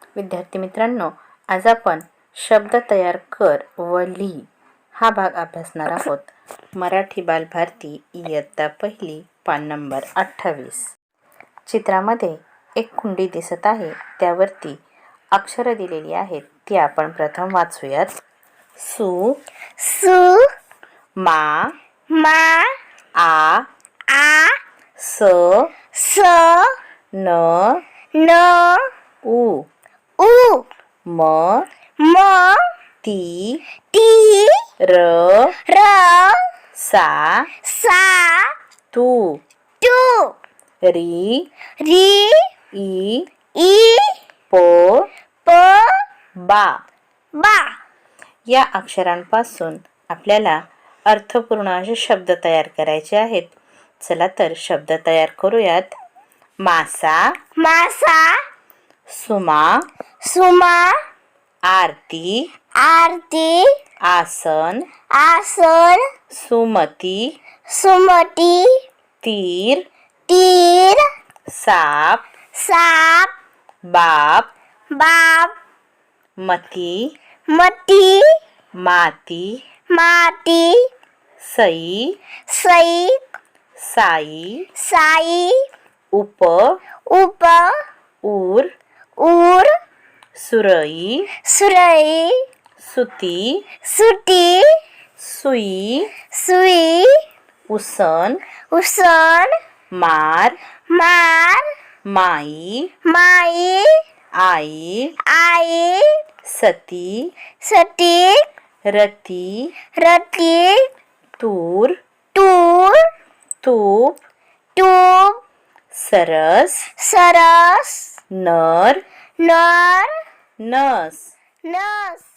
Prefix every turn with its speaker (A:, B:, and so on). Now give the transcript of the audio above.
A: विद्यार्थी मित्रांनो, आज आपण शब्द तयार कर व लिही हा भाग अभ्यासणार आहोत. मराठी बालभारती इयत्ता पहिली, पान नंबर 28. चित्रामध्ये एक कुंडी दिसत आहे. त्यावरती अक्षरं दिलेली आहेत. ती आपण प्रथम वाचूयात. सु
B: सु
A: मा
B: मा
A: आ
B: आ
A: स
B: स
A: न
B: न
A: उ
B: उ
A: म
B: म
A: ती
B: टी
A: र
B: र
A: सा
B: सा
A: तू
B: टू
A: री
B: री
A: ई
B: ई
A: प
B: प
A: बा.
B: बा.
A: या अक्षरांपासून आपल्याला अर्थपूर्ण असे शब्द तयार करायचे आहेत. चला तर शब्द तयार करूयात. मासा
B: मासा
A: सुमा
B: सुमा
A: आरती
B: आरती
A: आसन
B: आसन
A: सुमती
B: सुमती
A: तीर
B: तीर
A: साप
B: साप
A: बाप
B: बाप
A: मती
B: मती
A: माती
B: माती
A: सई
B: सई
A: साई
B: साई
A: उप
B: उप
A: ऊर
B: ऊर सुरई
A: सुती
B: सुटी
A: सुई
B: सुई
A: उसन
B: उसन
A: मार
B: मार
A: माई
B: माई
A: आई
B: आई सती सती
A: रती
B: रती
A: तूर
B: तूर
A: तूप
B: तूप
A: सरस
B: सरस
A: नर
B: नर
A: नस
B: नस